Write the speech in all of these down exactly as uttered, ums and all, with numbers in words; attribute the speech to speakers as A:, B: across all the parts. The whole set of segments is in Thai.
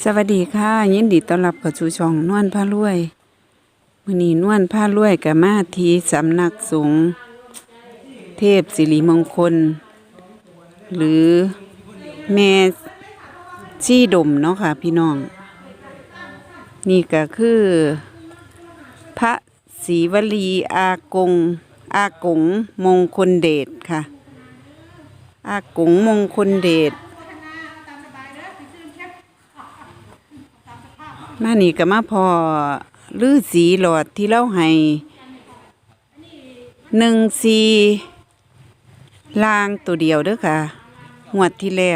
A: สวัสดีค่ะยินดีต้อนรับเข้าสู่ช่องนวลพารวยมื้อนี้นวลพารวยก็มาที่สำนักสงฆ์เทพสิริมงคล หรือแม่ชีดมเนาะค่ะพี่น้อง นี่ก็คือ พระศรีวลีอากง อากงมงคลเดชค่ะ อากงมงคลเดชมานี่ก็มาพอฤาษีหลอดที่เล่าให้หนึ่งสีลางตัวเดียวเด้อค่ะงวดที่แล้ว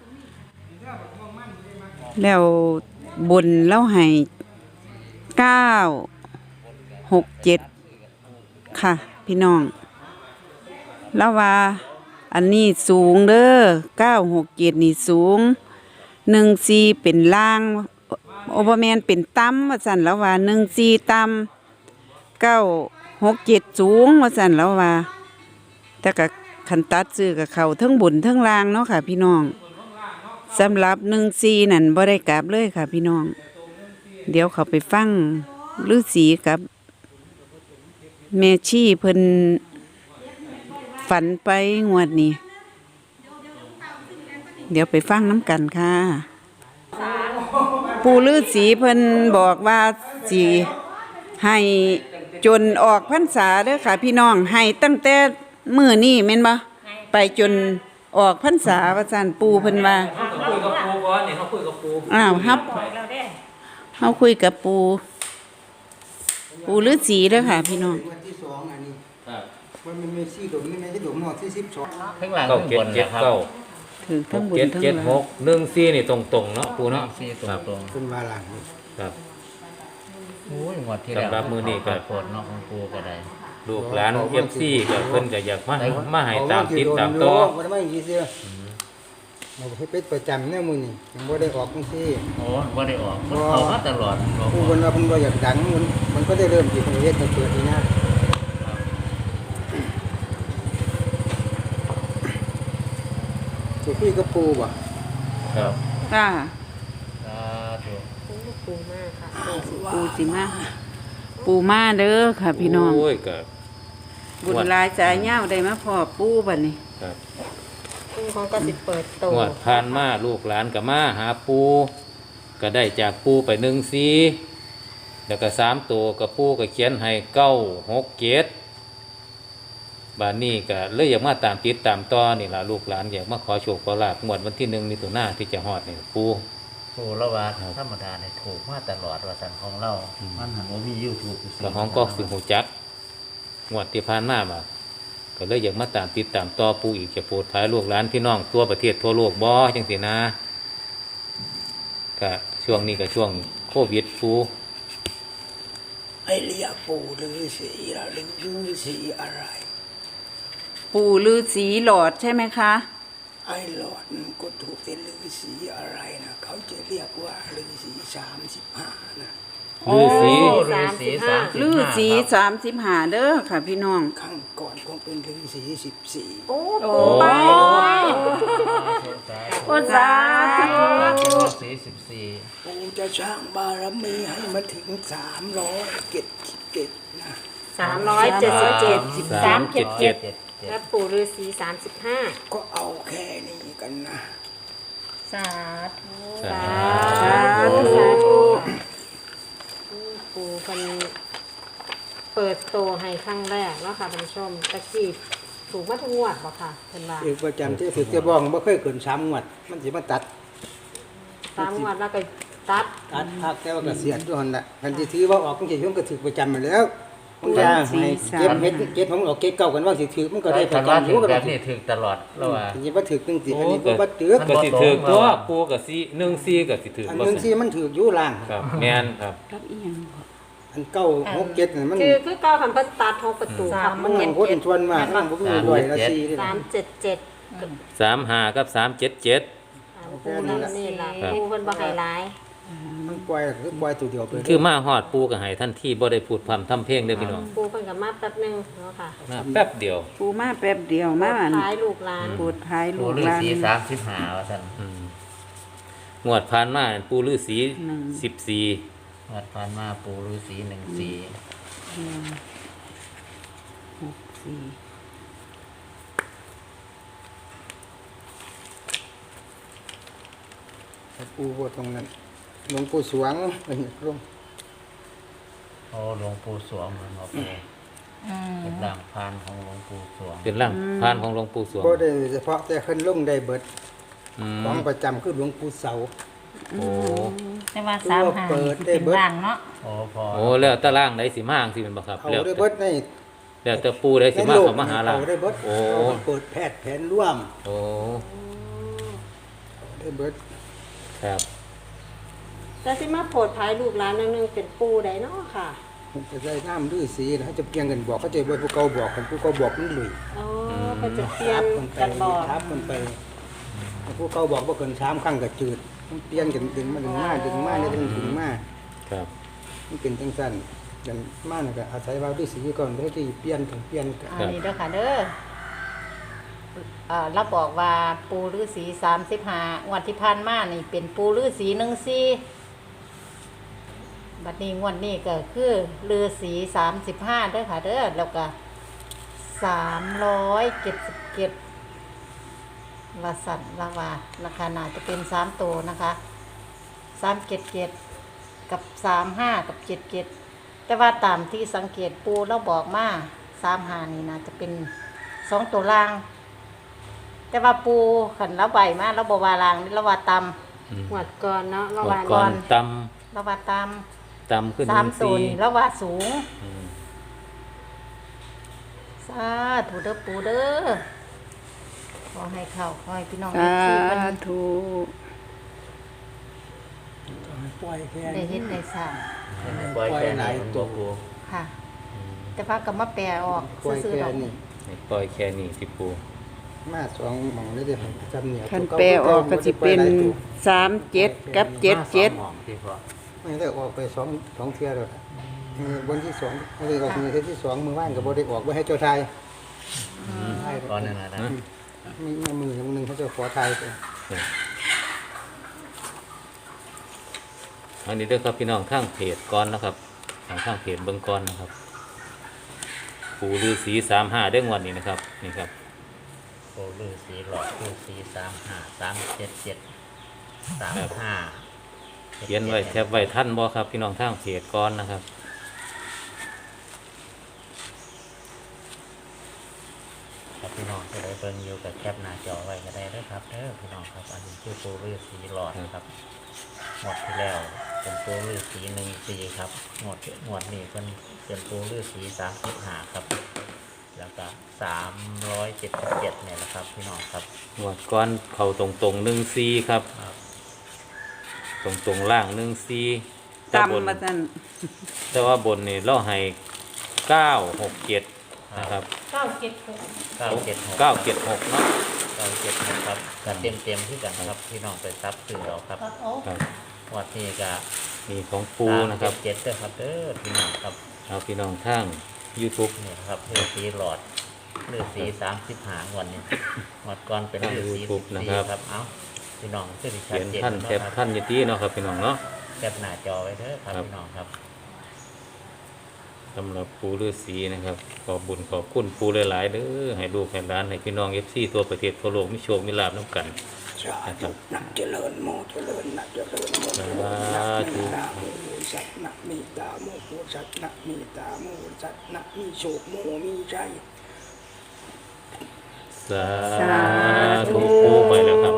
A: แล้วบนเล่าให้เก้าหกเจ็ดค่ะพี่น้องแล้วว่าอันนี้สูงเด้อเก้าหกเจ็ดนี่สูงหนึ่งสีเป็นล่างโอเปอร์แมนเป็นต่ำว่าสั่นแล้วว่าหนึ่งสี่ต่ำเก้าหกเจ็ดสูงว่าสั่นแล้วว่าแต่กับคันตัดซื้อกับเขาทั้งบุญทั้งล่างเนาะค่ะพี่น้องสำหรับหนึ่งสี่นั่นบ่ได้กลับเลยค่ะพี่น้องเดี๋ยวเขาไปฟังฤาษีกับแม่ชีเพิ่นฝันไปงวดนี้เดี๋ยวไปฟังน้ำกันค่ะปู่ฤาษีเพิ่นบอกว่าสิให้จนออกพรรษาเด้อค่ะพี่น้องให้ตั้งแต่มื้อนี้แม่นบ่ไปจนออกพรรษาว่าซั่นปู่เพิ่นว่า
B: คุยกับปูก่อนนี่เขาคุยกับปู
A: อ้าวครับเฮาคุยกับปู่ปู่ฤาษีเด้อค่ะพี่น้อง
C: วันที่สองอันนี้มันมีสี่ดมนี่ไม่ใช่ดมหมดที่สิบสอง
B: ข้างหลังข้างบนนะครับ
A: ถือทั้งบน
B: เจ็ด
A: ทั้ง
B: เจ็ด
A: ล่า
B: ห
A: ง
B: กหนึ่งสี่นี่ตรงตรงเนาะปูเนาะ
D: สี่ตรงๆ
C: เป็นวาหลัง
B: ครับ
D: โอ้ยงวดที่แล้ว
B: สำหรับมื้อนี้ก็
D: โปรดเนาะของปูก็ได้
B: ลูกหลานเอฟซีก็เพิ่นก็อยากมามาให้ตามติดตามต่อ
C: มันไม่ยี่เสียเราให้เป็ดประจำเนี่ยมึงนี่ยังบ่ได้ออกทั้งที่
D: โอ้บ่ได้ออกมันเข้ามาตลอดบ่
C: ผู้คนว่าเพิ่นบ่อยากดังมันมันก็ได้เริ่มที่ประเทศเปิดนี่นะสุกี้ก็ปูบ่
B: ครับ
A: ค่ะ
D: สาธุ
A: ปูสิมาปูมาเด้อค่ะพี่น้อง
B: โอ้ยก็
A: บุญหลายใจยาวได้มาพอปูบัดนี้
B: ครับ
E: ซึ่งเขาก็สิเปิดโต
B: งวดผ่านมาลูกหลานก็มาหาปูก็ได้จากปูไปหนึ่งสี่แล้วก็สามตัวกับปูก็เขียนให้เก้าหกเจ็ดบานนี้ก็เลยอยากมาตามติดตามต่อนี่ล่ะลูกหลานอยากมาขอโชคขอลาภงวดวันที่หนึ่งมิถุนายนที่จะฮอดนี่ปู
D: ปูละว่าธรรมดาเนี่ยถูกมาตลอดว่าซั่นของเรามันหันว่ามี YouTube อยู่
B: แล้วห้องก็ฝึกหูจักงวดที่ผ่านมาบ่ก็เลยอยากมาตามติดตามต่อปูอีกจะโปรดท้ายลูกหลานพี่น้องทั่วประเทศทั่วโลกบ่จังซี่นะก็ช่วงนี้ก็ช่วงโควิดปู
C: ไอ้เรียกปูหรือสีละหรือสีอะไร
A: ปูฤาษีหลอดใช่ไหมคะ
C: ไอ้หลอดก็ถูกเป็นฤาษีอะไรนะเขาจะเรียกว่าฤาษีสามสิบห้านะ
B: ฤาษี
D: โอ้ฤาษีสามสิบ
A: ฤา
D: ห้า
A: ษี
D: ครับ
A: สามสิบห้าเด้อค่ะพี่น้อง
C: ข้างก่อนคงเป็นฤาษีสิบสี่
E: โอ้
A: โอ้
E: ไป
A: โอ้สาธุ
D: ฤาษีสิบสี่
C: ปูจะสร้างบารมีให้มาถึงสามร้อยเจ็ดสิบเจ็ดนะ
E: สามร้อยเจ็ดสิบเจ็ดสามเจ็ดเจ็ด
D: เจ็ดเจ็ด
E: และปู่ฤาษีสามสิบห้า
C: ก็เอาแค่นี้กันนะ
E: สาธุ
B: สา
A: สา
B: ธุ
A: ธุ
E: ปู่คนเปิดโตให้ครั้งแรกแล้วค่ะท่านผู้ชมตะกี้ถูกมาทุกงวดบ่ค่ะเพิ่นว่า
C: อีกประจำที่ฝึกจะบ้องไม่เคยเกินสามงวดมันสิมาตัด
E: สามงวดแล้วก็ตัด
C: ตัดพักแต่ว่าก็เสียด้วยหันละคันที่ถือว่าออกต้องเสียช่วงก็ถือประจำมาแล้วมันจะให้เก็บเม็ดเก็บของออกเก็บเก่ากันว่าสิถือมันก็ได้ประ
D: คันว่า
C: จำอ
D: ถึ
C: ยู่
D: ง
C: ก็
D: แบ
C: ได้
D: บนี้ถึงตลอดแล้วว่า
C: อันนี้ว่าถือตั้งสิอันนี้ก็ว่าถือ
B: ก็สิถือตัวปูก็สิหนึ่งสี่ก็สิถือ
C: อัน
B: บ่
C: นึง
B: สิ
C: ที่มันถืออยู่ล่าง
B: ครับแม่นครับ
A: รับอีหยัง
C: อันเก้าหกเจ็ดนี่มัน
E: คือคือเก้าคำเพิ่นตัดหกประตูครับ
C: มั
E: มัน น
C: ห
E: เห็
C: นึ่
E: น
C: งคนชวนมากมันบ่มีด้วยละสี่นี่
E: สามเจ็ดเจ็ด
B: สามห้ากับสามเจ็ดเจ็ด
E: ปู่นั่นนี่ล่ะปู่เพิ่นบ่ให้หลาย
C: มันปล่อยคือปล่อยตัวเดียวไป
B: คือมาฮอดปูก็ให้ทันทีบ่ได้พูดพร่ำทำเพลงเด้อพี่น้อง
E: ปู่เพิ่นก็มาแป๊บนึงเนาะค่ะ
B: มาแป๊บเดียว
A: ปูมาแป๊บเดียวมาอัน
E: ท้ายลูกหลาน
A: ปูดท้าย
D: ปู
A: ลูก
D: ฤา
A: หลาน
D: ษีสามสิบห้าว่าซั่น
B: อืมงวดผ่านมาปูฤาษี
A: หนึ่ง
B: สิบสี่
D: วัดพานมาปูฤาษีหนึ่งสี่
A: หกสี่
C: ปูบ่ตรงนั้นหลวงปู่สวงเป็นลง
D: โอ้หลวงปู่สวงเหมือนหมอปูเป็นร่างพานของหลวงปู่สวง
B: เป็นร่างพานของหลวงปู่สวง
C: บ่ได้เฉพาะแต่ขึ้นลงได้เบิด
B: อืม
C: ของประจำคือหลวงปู่เสา
B: โอ้
F: แต่ว่าสามหา
C: เปิดได้
F: เป็น
C: เบิด
F: ร่างเนาะ
D: โอ้พอ
B: โอ้แล้วแตะล่างได้สิมาจังสิเป็นบ่ครับ
C: เอา
B: แล้ว
C: ได้
B: แต่
C: เบิดใน
B: แล้วแต่ปูได้
C: ใน
B: สิมา
C: โลก
B: เข้ามาหาล่าง
C: เอาได้เบิด
B: โอ้
C: เอาไปเปิดแพทย์แผนร่วม
B: โอ้
C: ได้เบิด
B: ครับ
E: แต่สิมาโผดภายลูกหลานนั่นนึงเป็นปูใดเนาะค่ะ
C: มันจะได้น้ำดื้อสีนะเขาจะเพียงกันบอกเขาจะไปผู้เก่าบอกกันผู้เก่าบอกมันหลุย
E: อ๋อก็จะเปลี่ยน
C: มันไป
E: กันบอก
C: ทับมันไปผู้เก่าบอกว่าเกินสามครั้งก็จืดมันเปลี่ยนกันดึงมาดึงมาดึงมาเนี่ยดึงดึงมา
B: ครับ
C: มันเป็นจังสั้นกันมาเนี่ยก็อาศัยว่าดื้อสีก่อนเพื่อที่เปลี่ยนกันเปลี่ยนกัน
F: อันนี้เด้อค่ะเด้อเอ่อเราบอกว่าปูฤาษีสามสิบห้างวดที่ผ่านมานี่เป็นปูฤาษีหนึ่งสี่บัดนี้งวดนี้ก็คือฤาษีสามสิบห้าเด้อค่ะเด้อแล้วก็สามร้อยเจ็ดสิบเจ็ดวาสันลาวาราคาน่าจะเป็นสามตัวนะคะสามเจ็ดเจ็ดกับสามห้ากับเจ็ดเจ็ดแต่ว่าตามที่สังเกตปูเราบอกมาสามหานี่นะจะเป็นสองตัวล่าง แต่ว่าปูขันเราใบมาเราบวาลางนี่เราว่าต
B: อืม
E: หวดก่อนเนาะ
B: ง
E: ระ
B: ว
E: วั
B: ด
E: ง
B: ก่อนต
F: ำเราว่าต
B: ำตำขึ้น
F: ำสามตัว
B: สี่
F: นี่เราว่าสูง
B: อืม
F: สาธุเด้อปูเด้อขอให้เข้าขอให้พี่น้อง
A: สา
F: ที่มัน
A: ธุ
C: ปล่อยแค่
F: ได้เฮ็ดได้สร้าง
D: ปล่อยแค่ไหนหลวงปู่
F: ค่ะ แต่ว่าก็มาแปลออก
C: ปล่อย
F: ซื่อ
C: แค่
F: ๆดอก
C: นี้
B: ให้ปล่อยแค่นี้ที่ปู
C: มาสองหมองเลยเดี๋ยวจำเหนียว
A: คันแปลออกก็สิเป็นสามเจ็ดกับเจ็ดเจ็ด
D: มาสองหม่องที่พอ
C: ไม่ได้ออกไปสองสองเที่ยวแล้วมือบนที่สองไม่ได้ออกมือเที่ยวที่สองมือว่านกับบได้ออกไว้ให้เจ้าไทย
D: ก่อนนั่นนะนะ
C: มีมือหนึ่งเขาจะขอไทยไป
B: อันนี้เด้อครับพี่น้องข้างเพจก่อนนะครับทางข้างเพจเบิ่งก่อนนะครับ ปูฤาษีสามห้าเด้งวันนี้นะครับ นี่ครับ
D: โอ้ฤาษีหลอดฤาษีสามห้าสามเจ็ดเจ็ดสามห้า
B: เขียนไว้แคปไว้ท่านบ่ครับพี่น้องทางเพจก่อนนะครับ
D: ครับพี่น้องจะได้เบิ่งอยู่กับแคปหน้าจอไว้ก็ได้เด้อครับเด้อพี่น้องครับอันนี้คือปูฤาษีหลอดครับหมดที่แล้วเป็นปูฤาษีหนึ่งสี่ครับหมดหมดนี่เป็นเป็นปูฤาษีสามสิบห้าครับ แล้วก็สามร้อยเจ็ดสิบเจ็ดเนี่ยแหละครับพี่น้องครับ
B: งวดก้อนเข่าตรงตรงหนึ่งซีครับ
D: ครับ
B: ตรงตรงล่างหนึ่งซีแต่บน
A: ตำมาสั่น
B: แต่ว่าบนนี่เราให้เก้าหกเจ็ดนะครับ
F: เก้าเจ็ดหก
D: เก้าเจ็ดหก
B: เก้าเจ็ดหกเนาะ
D: เก้าเจ็ดหกครับก็เต็มเต็มๆที่กันครับพี่น้องไปซับซื้อเราครับ
F: ตัดออก
B: ครับ
D: วัดนี้ก็
B: มีของปูนะครับ
D: เจ็ดเด้อครับเด้อพี่น้องครับ
B: เอาพี่น้องทาง YouTube
D: นี่ครับเลือดสีหลอดเลือดสีสามสิบหางวันนี้หมดก่อนเป็นเลือดสีสิบสี่ครับเอ้าพี่น้องขึ้นชัด
B: เขียน
D: เจน
B: ท่าน
D: เนาะ
B: แคป
D: ครับ
B: ท่านอยตีเนาะครับพี่น้องเนาะ
D: แคปหน้าจอไว้เด้อครับ
B: ครับ
D: พี่น้องครับ
B: สำหรับปูฤาษีนะครับขอบบุญขอบคุณปูหลายๆเด้อให้ลูกให้หลานให้พี่น้องเอฟซีตัวประเทศทั่วโลกมีโชคมีลาภน้ำกัน
C: สาธุนักเจริญโมเจริญนักเจริญโมเจริญ
B: สาธุ
C: นะโมสัตนะมีตาโมโหสัตนะมีตาโมสัตนะมีโชคโมมีใจ
B: สาธุปูไปแล้วครับ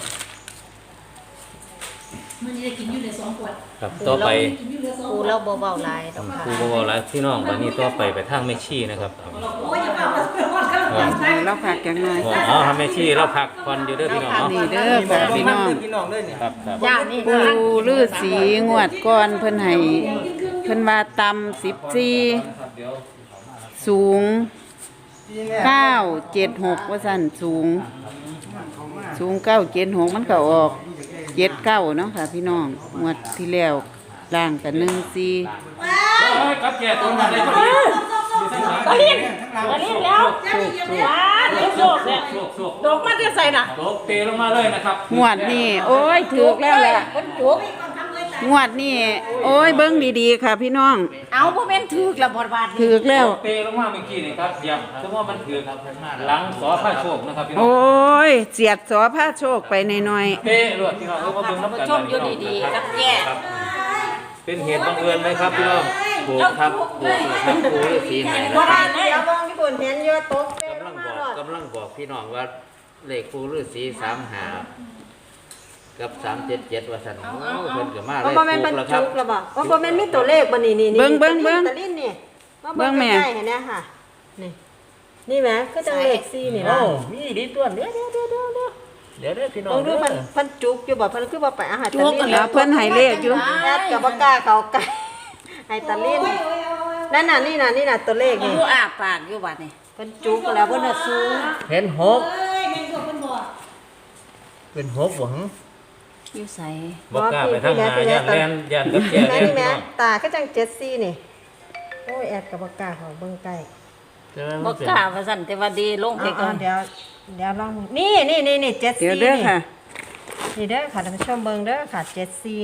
G: มันจะได้กินอยู่ในสองขวด
B: ครับต่อไป
G: กินอยู่ในสอง
F: ปู
G: ขวด
F: เราเบาๆหลายดอกค่ะ
B: ปูบอกว่าหลายพี่น้องวันนี้ต่อไปไปทางแม่ชีนะครับ
G: โอ้ยอย่าเปล่าเดี๋ยวก่อนครับ
B: ครับ
A: ให้เราพักจังหน่อย
B: อ๋อทำแม่ชีเราพักก่อนอยู่เด้อพี่น้องเนาะ
A: นี่เด้อค่ะพี่น้อง
C: พี่น้องเลยเนี่ย
B: ครับครับ
F: ย่านี่
A: ปูฤาษีงวดก่อนเพิ่นให้เพิ่นว่าตำสิบสี่สูงเก้าเจ็ดหกว่าสั่นสูง สูงเก้าเจ็ดหกมันก็ออกเจ็ดเก้าเนาะค่ะพี่น้องงวดที่แล้วล่างกันหนึ่งสี่
B: กับแก่ตรงนั้นเลยพอดี
C: ตะลินทั้งเรา
F: อันนี้แล้วว้าเดี๋ยวโชคเนี่ย
B: โชคโชค
F: ดอกมาจะใส่น่ะ
B: ตกเตะลงมาเลยนะครับ
A: งวดนี่โอ้ยถูกแล้วแหละ
F: คนจุก
A: งวดนี่โอ้ยเบิ้งดีๆค่ะ พี่น้อง
F: เอาบ่แม่นถูกละบ่บาท
A: ถูกแล้ว
B: ตกเตะลงมาเมื่อกี้นี่ครับอย่าสมมติว่ามันถือหลังสอผ้าโชคนะครับพี่น้อง
A: โอ้ยเสียดสอผ้าโชคไปหน่อย
B: เตะรวดพี่น้องเออมาเบิ่งน้ำกัน
F: ชมอยู่ดีๆกับแย่
B: ครับเป็นเหตุบังเอิญไหมครับพี่น้องถูกครับถูกครับปูฤาษีให้นะ
E: บ่
B: ครับ
E: ได้เดี๋ยวมองที่บุญเห็นเยอะตกเต้น
D: กำลัง
E: มา
D: บอก
E: หลอด
D: กำลังบอกพี่น้องว่าเลขปูฤาษีสามหากับสามเจ็ดเจ็ดว่าสันโอ้เพิ่นก็มาเล
E: เพราะ
D: ย
E: บ่แม่นบรร
D: ถูกแล้วครั
E: จุ
D: บ
E: กแล้วบ่เพราะบ่แม่นมีตัวเลขบ่นี่นี่นี่
A: เบิ่งเบิ่งเบิ่ง
E: ตะลินนี่มา
A: เบิ่
E: เบิ่ง
A: งแม่
E: ใกล้ๆเห็นไหมค่ะนี่นี่แหมคือจังเลขสี่นี่
D: โอ้
E: ล่ะ
D: มีดีตัวเดี๋ยวเดี๋ยวเดี๋ยวเดี๋ยวเดี๋ยวเดี๋ยวเดี๋ยวพี่น้อง
E: ลองดู
D: เด้อ
E: เพิ่นเพิ่นจุกอยู่บ่เพิ่นคือบ่ไปอาหารตะลิน
A: ๆแล้วเพิ่นให้เลขอยู่
E: แอดก็บ่กล้าเข้าใกล้ให้ตะลินนั่นน่ะนี่น่ะนี่น่ะตัวเลขนี่
F: อยู่อาปากอยู่บัดนี่
E: เพิ่นจุกแล้วเพิ่นน่ะสูง
D: เห็นหก
G: เอ้ยแม่งตัวเพิ่นบอก
D: เป็นหกหวัง
F: อยู่ไส
B: บอกกล้าไปทางหนาย่านแลนย่านกับแก่
E: แม่
B: แลน
E: นี่
B: พี่
E: แม่
B: น้อง
E: ตาก็จังเจ็ดสี่นี่โอ้ยแอดก็บ่กล้าเข้าเบิ่งใกล้
D: ใช่ไหม
F: บ่
D: มันเป็น
F: กล้าว่าซั่นแต่ว่าดีลงไป
E: เอา
F: ก่อน
E: ๆเดี๋ยวเดี๋ยวลองนี่นี่นี่นี่เจ็ด
A: เดี๋ยว
E: สี่
A: เด้อ
E: นี่
A: ค่ะ
E: นี่เด้อค่ะท่านผู้ชมเบิ่งเด้อค่ะเจ็ดสี่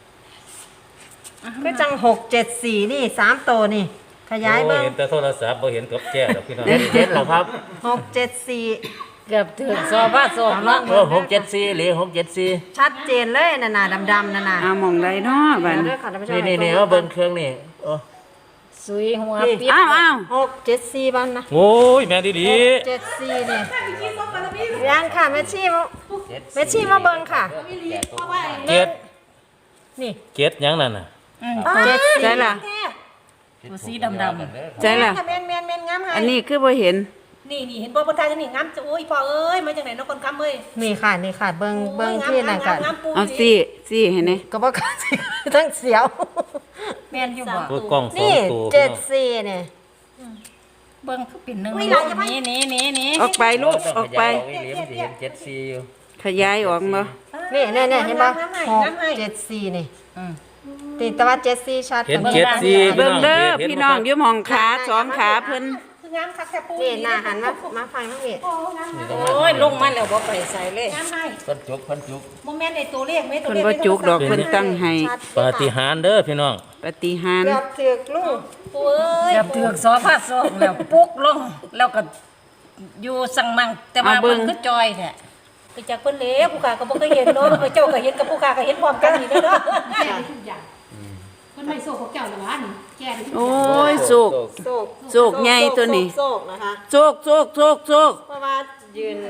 E: ก็จังหกเจ็ดสี่นี่สามตัวนี่ ขยาย
B: โอ้
E: เบิ่ง
B: เห็นแต่โทรศัพท์บ่เห็นกับแก่หรอกพี่น้อง
D: เจ็ดเจ็ดเหรอครับ
E: หกเจ็ดสี่
F: เกือบถึงซอบ้าซอกเนาะ
D: เออหกเจ็ดสี่หรือหกเจ็ดสี่
E: ชัดเจนเลยน่ะน่ะดำๆน่ะน่ะ
A: เอาหมองใดเนาะบัด
E: เดี๋ยวเด้
A: นี้
E: อค่ะท่านผู้ชม
D: นี่นี่นี่ว่าเบิ้งเครื่องนี่โอ้
F: สุยหัว
E: นี่
F: เปียก
A: อ้าวอ้าว
E: หกเจ็ดสี่บ้างนะ
B: โอ้ยแม่ดีดี
E: เจ็ดสี่นี่ยังค่ะแม่ชีมาแม่ชีมาเบิ่งค่ะ
B: เจ็ด
E: นี่
B: เจ็ดหยังนั่นน่ะ
E: เจ็ดสี่
A: ใช่ล่ะ
F: ตัวสีดำ
A: ใช่ล่ะ
E: แม่นแม่นแม่นงามให้
A: อันนี้คือบ่เห็น
G: นี่นี่เห็นบ่บนทายจะนี่งามจะโอ้ยพ่อเอ้ยมาจากไหนเนาะคนคำเอ้ย
E: นี่ค่ะนี่ค่ะเบิ่งเบิ่งที่นั่นกัน
G: งามปู
A: เอาสิสิเห็นไหม
E: ก็บ่ค่ะทั้งเสียว
F: แม่นอยู่บ่
B: ตัวกล้องสอง
E: นี่
B: ตัว
E: เจ็
B: พี่
E: ด
B: น้อง
E: สี่นี่
F: เบิ่งคือเป็นหนึงนี่นี่นี่นี่
A: ออกไปลูกออกไป
D: ขยายออกอีหลีมันสิเห็นเจ็ดสี่อยู่
A: ขยายออกมา
E: นี่นี่นี่เห็นป่ะหกเจ็ดสี่นี่
F: อืม
E: ติแต่ว่าเจ็ดสี่ชัด
B: เห็น
E: กว่า
B: เจ็ดสี่
A: เบิ่งเด้อ
B: ห็
A: พี่น้องอยู่หมองขาสองขาเพิ่น
G: คืองามคักแค่ปู
E: นี่หน้าหันมามาฟังทั้งนี้
G: โอ้งาม
D: นี่ต้อง
F: โอ้ยลงมาแล้วบ่ไปใส่เลย
G: งามให้
D: เพิ่นจุกเพิ่นจุก
G: โมเมนต์ไอ้ตัวเลขไม่ตัว
A: เพิ่น
G: เลข
A: บ่จุกดอกเพิ่นตั้งให้
E: ชัด
B: ปาฏิหาริย์เด้อพี่น้อง
A: ปฏิหาร
E: เกือบถึกลูก
G: ปูเอ้ย
F: เกือบถึงซอผ้าซอกแล้วปุ๊กลงแล้วก็อยู่สั่งมังแต่ว่ามันคือจอยแท้
G: ไปจากเพิ่นเล้วผู้ขาก็บ่เคยเห็นเนาะเจ้าก็เห็นกับผู้ขาก็เห็นพร้อมกันนี่เด้อเนาะแก่ทุกอย่างมันไม่โซ่ของเจ้าหรอวะนี่แก่ทุกอย่าง
A: โอ้ยสุก
E: โศก
A: โศกใหญ่ตัวนี้
E: โศกนะคะ
A: โชคโชคโชคโชค
E: เพราะว่ายืน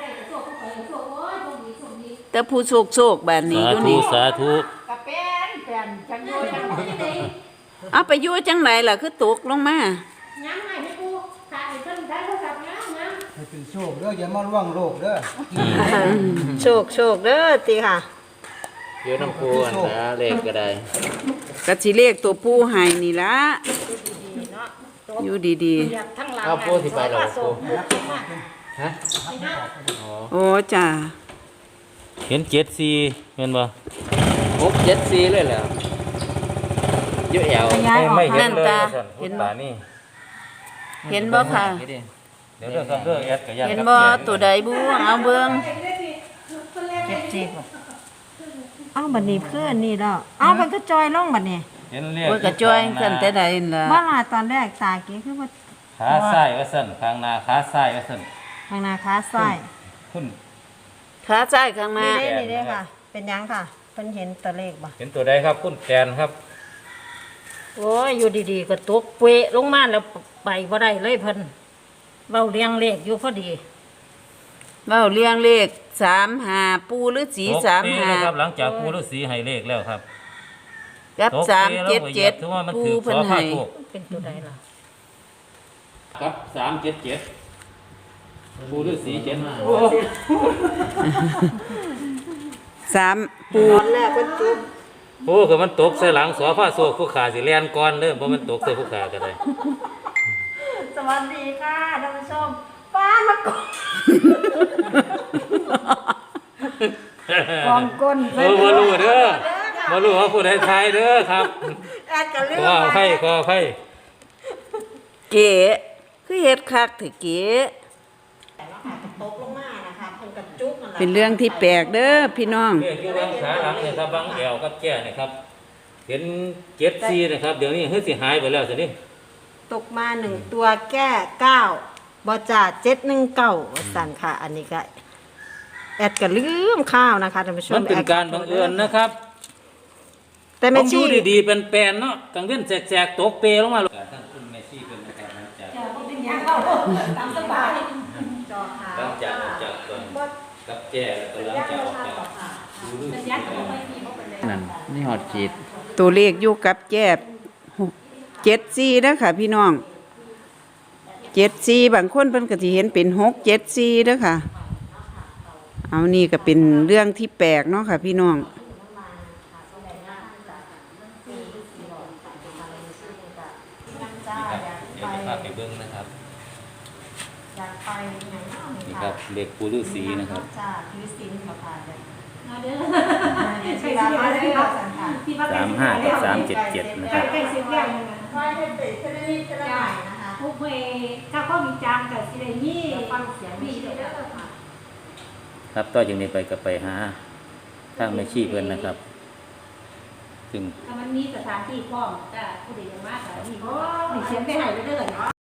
A: แต่ผู้โชคโชคแบบนี้
B: สา
A: อยู่
B: ธุ
A: นี่
B: สาธุ
G: กะเป็นแฟนจังโยจังนี่
A: เอาไปอยู่จังไหนล่ะคือตกลงมา
G: งามให้ให้ปูถ่ายเพิ่นถ่ายโทรศัพท์งามงาม
C: ให้เป็นโชคเด้ออย่ามาล่วงโลกเด้อ
E: โชคโชคเด้อตีค่ะ
D: อยู่น้ำปูอันนะเลขก็ได้
A: กะสิเลขตัวผู้ให้นี่ละอยู่ดี
G: อยากทั้งหลัง
D: เอาปูสิไปหรอปูฮะ
A: ๆ โอ้จ้า
B: เห็นเจ็ดสี่เห็นบ่
D: หกเจ็ดสี่เลยเหรอเยอะแยว
A: ย้ายออก
B: ไม่เห็
A: นั่
B: น
A: น
B: เลย
A: ตา
B: ท่าน
A: เห็น
B: ตา
A: บ่
B: นี่
A: เห็นบ่ค่ะ
B: เดี๋ยวเรื่องครับเรื่องแอดกับยัน
A: เห็น
B: กับ
A: บ่
B: แก่
A: ตัวใดบูเอาเบิ่ง
F: เจ็บเจ็บ
E: เอ้าบัดนี้เพื่อนนี่แล้วเอ้ามันก็จอยลงบัดนี้
B: เห็นเรียก
A: โอ้ยกระจ้อยสั่นแต่ใดนั่นล่ะ
E: ว่าล่ะตอนแรกตาเก๋คือว่า
B: ขาซ้ายว่าสั่นข้างหน้าขาซ้ายว่าสั่น
E: ทางหนาขาซ้าย
B: ขึ้น
A: ขาซ้ายข้างหน้า
E: นี่นี่เด้อค่ะ เป็นหยังค่ะเพิ่นเห็นตัวเลขบ่
B: เห็นตัวใดครับคุณแตนครับ
F: โอ้ยอยู่ดีๆก็ตกเปะลงมาแล้วไปบ่ได้เลยเพิ่นเว้าเรียงเลขอยู่พอดี
A: เว้าเรียงเลขสามห้าปูหรือสี
B: ตก
A: สาม
B: ปี
A: ห้า
B: นะครับหลังจากปูฤาษีให้เลขแล้วครับ
A: กับ
B: ตก
A: สาม
B: ปี
A: เจ็ด
B: แล้วก็
A: เจ็ด
B: ถือว่ามัน
A: ปู
B: ถือ
A: เพิ่น
B: สอผ้า
A: ให้
B: โชค
F: เป็นตัวใดล่ะ
B: ครับสามเจ็ดเจ็ดปูฤาษีเจ็ดมา
A: สามปู
E: ตอนแรกเพิ่นจุ๊บ
B: โอ้ก็มันตกใส่หลังสอผ้าโชคผู้ขาสิแล่นก่อนเด้อบ่มันตกใส่ผู้ขาก็ได้
E: สวัสดีค่ะท่านผู้ชมป้านมากดกองก้น
B: เออบ่รู้เด้อบ่รู้ว่าผู้ใดทายเด้อครับ
E: แอดก็เลื
B: ข
E: อ
B: อก อภัยขออภัย
A: เก๋คือเฮ็ดคักถือเก๋
E: แต่ว่าค่ะตกลงมานะคะเพิ่นกระจุกนั่นแหละ
A: เป็นเรื่องที่แปลกเด้อพี่น้อง
B: เลขอยู่บางขาหลังเนี่ยครับบางแอวกับแก่เนี่ยครับเห็นเจ็ดสี่นะครับเดี๋ยวนี้เฮ้ยสิหายไปแล้วสินี่
E: ตกมาหนึ่งตัวแก้เก้าบอจ่าเจ็ดหนึ่งเก้าสั่นค่ะ อันนี้ก็แอดก็ลืมข้าวนะคะท่านผู้ชม
B: มันเป็นการบังเอิญนะครับ
E: แต่
B: ผ
E: แม่
B: มอ
E: ชี
B: ยู่ดีๆเป็นแปลนเนาะกลางเว้นแสกๆตกเปลงมาทั้งคุณแม่ชีเป็นนะครับหลังจาก
G: จะบ่เป็นหยังเข้าตามสบาย
E: จอขาว
B: หลังจากออกจากตอนกับแก่แล้วก็หลังจากออกจากดูรูป
G: สัญญาณก็บ่ค่อยมีบ่เป็นไร
D: นั่นนี่หอดขีด
A: ตัวเลขอยู่กับแจ๊บเจ็ดสี่เด้อค่ะพี่น้องเจ็ดสี่บางคนเพิ่นก็สิเห็นเป็นหกเจ็ดสี่เด้อค่ะ เอานี่ก็เป็นเรื่องที่แปลกเนาะค่ะพี่น้อง
B: นี่ครับเดี๋ยวจะพาไปเบิ้งนะครับ
E: อยากไปไหนเนาะ
B: นี่ครับเลขปูฤาษีนะครับ
E: จ้าถือศีลค่ะค่ะ
G: เอาเด้อ
E: ใช่สิมาได้ค่ะสั่นค่ะ
G: ที่ว่า
D: สามห้ากับสามเจ็ดเจ็ดนะค
G: ใกล้
D: รับ
G: ใกล้สิบอย่างนึงนะ
E: คอยให้ติดขึ้นนิดๆก็ได้นะคะ
G: ผู้เฮถ้าข้อมีจางกับสิได้มี
E: ฟังเสียง
G: มี
E: มี
G: เด้
E: เด้
G: อ
E: อค่ะ
D: ครับต่อจากนี้ไปก็ไปหาทางแม่ชีเพิ่นนะครับ ซึ่ง
G: ถ้ามันมีสถานที่พร้อมจ้ะผู้ใดยังมากก็มีมีเขียนไปให้เด้อ